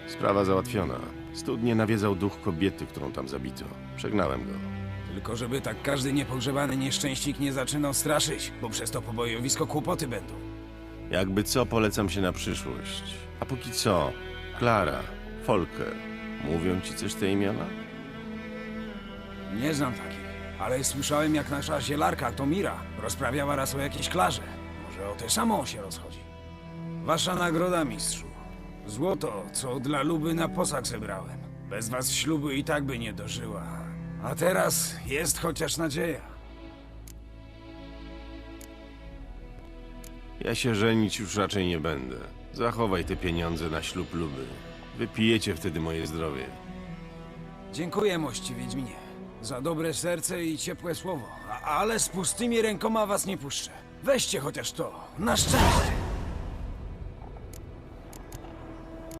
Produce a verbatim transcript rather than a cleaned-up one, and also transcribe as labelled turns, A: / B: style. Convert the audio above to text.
A: Sprawa załatwiona. Studnie nawiedzał duch kobiety, którą tam zabito. Przegnałem go.
B: Tylko żeby tak każdy niepogrzebany nieszczęśnik nie zaczynał straszyć, bo przez to pobojowisko kłopoty będą.
A: Jakby co, polecam się na przyszłość. A póki co, Klara, Folker, mówią ci coś te imiona?
B: Nie znam takich, ale słyszałem jak nasza zielarka, to Mira, rozprawiała raz o jakiejś Klarze. Może o tę samą się rozchodzi. Wasza nagroda, mistrzu. Złoto, co dla Luby na posag zebrałem. Bez was ślubu i tak by nie dożyła. A teraz jest chociaż nadzieja.
A: Ja się żenić już raczej nie będę. Zachowaj te pieniądze na ślub Luby. Wypijecie wtedy moje zdrowie.
B: Dziękuję, mości Wiedźminie, za dobre serce i ciepłe słowo. A, ale z pustymi rękoma was nie puszczę. Weźcie chociaż to, na szczęście.